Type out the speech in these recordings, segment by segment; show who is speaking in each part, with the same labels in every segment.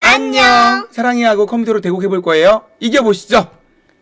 Speaker 1: 안녕.
Speaker 2: 사랑이하고 컴퓨터로 대국해볼 거예요. 이겨보시죠.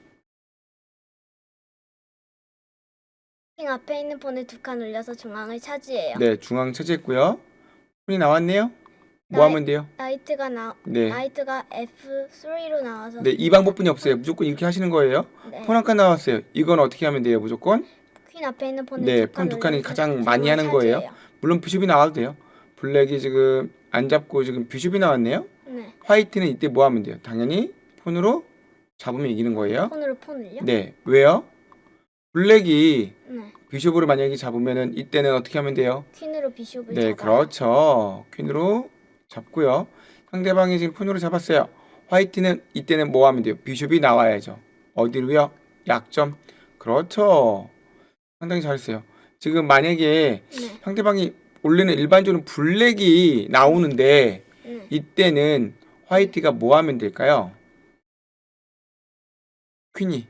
Speaker 1: 킹 앞에 있는 폰을 두 칸 올려서 중앙을 차지해요.
Speaker 2: 네, 중앙 차지했고요. 폰이 나왔네요. 뭐 하면 돼요?
Speaker 1: 라이트가
Speaker 2: 네.
Speaker 1: 라이트가 F3로 나와서
Speaker 2: 네, 이 방법뿐이 없어요. 무조건 이렇게 하시는 거예요.
Speaker 1: 네.
Speaker 2: 폰 한 칸 나왔어요. 이건 어떻게 하면 돼요? 무조건?
Speaker 1: 퀸 앞에 있는 폰을
Speaker 2: 네,
Speaker 1: 두
Speaker 2: 폰
Speaker 1: 칸
Speaker 2: 두 칸이
Speaker 1: 올려서
Speaker 2: 가장 많이 하는
Speaker 1: 중앙을
Speaker 2: 거예요.
Speaker 1: 차지해요.
Speaker 2: 물론 비숍이 나와도 돼요. 블랙이 지금 안 잡고 지금 비숍이 나왔네요.
Speaker 1: 네.
Speaker 2: 화이트는 이때 뭐 하면 돼요? 당연히 폰으로 잡으면 이기는 거예요.
Speaker 1: 폰을요?
Speaker 2: 네, 왜요? 블랙이
Speaker 1: 네.
Speaker 2: 비숍으로 만약에 잡으면은 이때는 어떻게 하면 돼요?
Speaker 1: 퀸으로 비숍을
Speaker 2: 네,
Speaker 1: 잡아요.
Speaker 2: 그렇죠. 퀸으로 잡고요. 상대방이 지금 폰으로 잡았어요. 화이트는 이때는 뭐 하면 돼요? 비숍이 나와야죠. 어디로요? 약점. 그렇죠. 상당히 잘했어요. 지금 만약에
Speaker 1: 네.
Speaker 2: 상대방이 원래는 일반적으로 블랙이 나오는데
Speaker 1: 네.
Speaker 2: 이때는 화이트가 뭐 하면 될까요? 퀸이.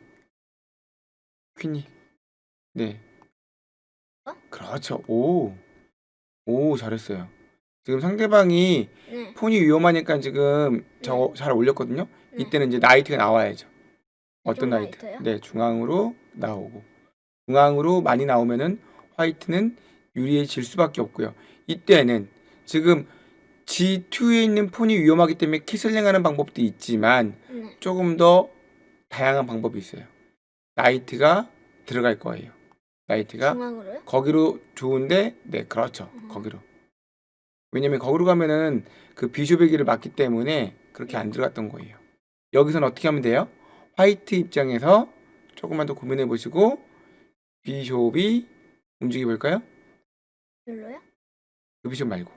Speaker 2: 네. 그렇죠. 오, 잘했어요. 지금 상대방이
Speaker 1: 네.
Speaker 2: 폰이 위험하니까 지금 저거 잘 올렸거든요.
Speaker 1: 네.
Speaker 2: 이때는 이제 나이트가 나와야죠. 어떤
Speaker 1: 좀
Speaker 2: 나이트?
Speaker 1: 라이트요?
Speaker 2: 네, 중앙으로 나오고. 중앙으로 많이 나오면은 화이트는 유리해질 수밖에 없고요. 이때는 지금 G2에 있는 폰이 위험하기 때문에 키슬링하는 방법도 있지만
Speaker 1: 네.
Speaker 2: 조금 더 다양한 방법이 있어요. 나이트가 들어갈 거예요. 나이트가
Speaker 1: 중앙으로요?
Speaker 2: 거기로 좋은데, 네, 그렇죠. 거기로. 왜냐면 거기로 가면은 그 비숍의 길을 막기 때문에 그렇게 안 들어갔던 거예요. 여기서는 어떻게 하면 돼요? 화이트 입장에서 조금만 더 고민해 보시고 비숍이 움직여 볼까요?
Speaker 1: 별로요?
Speaker 2: 그 비숍 말고.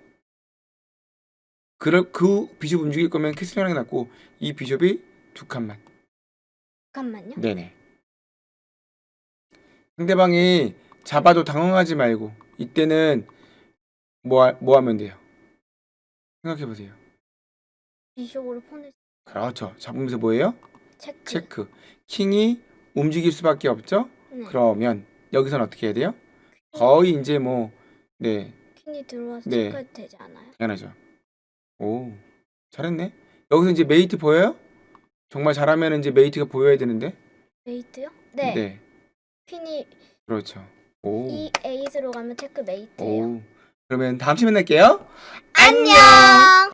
Speaker 2: 그 비숍 움직일 거면 캐슬링하는 게 낫고 이 비숍이 두 칸만.
Speaker 1: 잠깐만요.
Speaker 2: 네네. 상대방이 잡아도 당황하지 말고 이때는 뭐 하면 돼요? 생각해 보세요.
Speaker 1: 비숍으로 폰을
Speaker 2: 그렇죠. 잡으면서 뭐예요?
Speaker 1: 체크.
Speaker 2: 킹이 움직일 수밖에 없죠?
Speaker 1: 네.
Speaker 2: 그러면 여기선 어떻게 해야 돼요? 거의 이제 뭐, 네,
Speaker 1: 퀸이 들어와서
Speaker 2: 네.
Speaker 1: 체크해도 되지 않아요?
Speaker 2: 당연하죠. 오, 잘했네. 여기서 이제 메이트 보여요? 정말 잘하면 이제 메이트가 보여야 되는데.
Speaker 1: 메이트요? 네.
Speaker 2: 네,
Speaker 1: 퀸이
Speaker 2: 그렇죠. 오,
Speaker 1: 이 에잇으로 가면 체크 메이트예요.
Speaker 2: 그러면 다음 시간에 만날게요.
Speaker 1: 안녕.